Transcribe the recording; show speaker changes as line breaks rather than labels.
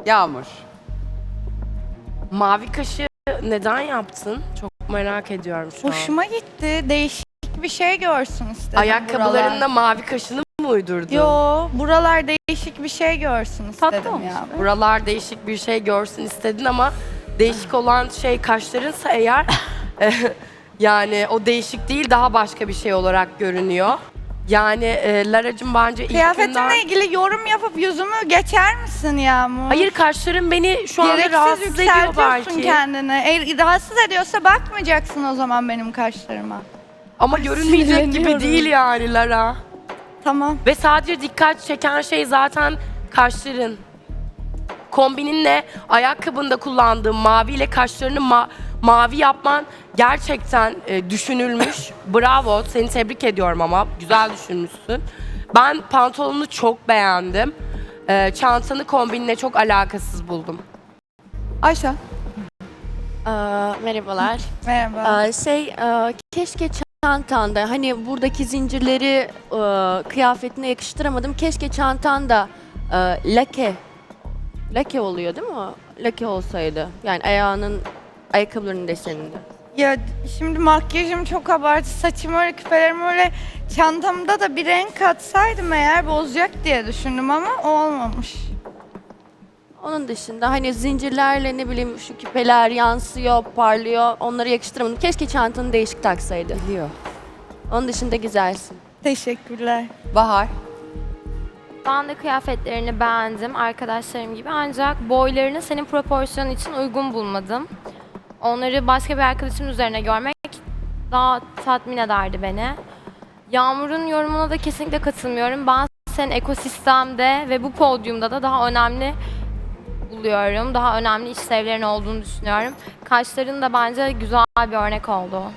Yağmur.
Mavi kaşı neden yaptın? Çok merak ediyorum şu an.
Hoşuma gitti. Değişik bir şey görsün istedim
Ayakkabılarında
buralar.
mavi kaşını mı uydurdun?
Yo, buralar değişik bir şey görsün
Tatlı
istedim
olmuş.
ya.
Buralar değişik bir şey görsün istedin ama değişik olan şey kaşlarınsa eğer yani o değişik değil daha başka bir şey olarak görünüyor. Yani Lara'cığım bence ilk günden...
Kıyafetimle ilgili yorum yapıp yüzümü geçer misin Yağmur?
Hayır kaşların beni şu anda
Gereksiz
rahatsız ediyor
yükseltiyorsun
belki.
kendini. Eğer rahatsız ediyorsa bakmayacaksın o zaman benim kaşlarıma.
Ama görünmeyecek gibi
sinirleniyorum.
değil yani Lara.
Tamam.
Ve sadece dikkat çeken şey zaten kaşların. Kombininle ayakkabında kullandığın maviyle kaşlarını mavi yapman gerçekten düşünülmüş. Bravo, seni tebrik ediyorum ama güzel düşünmüşsün. Ben pantolonunu çok beğendim. Çantanı kombinle çok alakasız buldum.
Ayşe.
Merhabalar.
Merhaba.
Keşke çantanda, hani buradaki zincirleri kıyafetine yakıştıramadım. Keşke çantanda lake oluyor değil mi o? Lake olsaydı. Yani ayakkabılarının deseninde.
Ya şimdi makyajım çok abartı, saçım öyle, küpelerim öyle, çantamda da bir renk katsaydım eğer bozacak diye düşündüm ama olmamış.
Onun dışında hani zincirlerle ne bileyim şu küpeler yansıyor, parlıyor. Onları yakıştıramadım. Keşke çantanı değişik taksaydı.
Biliyor.
Onun dışında güzelsin.
Teşekkürler.
Bahar.
Ben de kıyafetlerini beğendim arkadaşlarım gibi ancak boylarını senin proporsiyonun için uygun bulmadım. Onları başka bir arkadaşımın üzerine görmek daha tatmin ederdi beni. Yağmur'un yorumuna da kesinlikle katılmıyorum. Ben senin ekosistemde ve bu podyumda da daha önemli buluyorum. Daha önemli işlevlerin olduğunu düşünüyorum. Kaşların da bence güzel bir örnek oldu.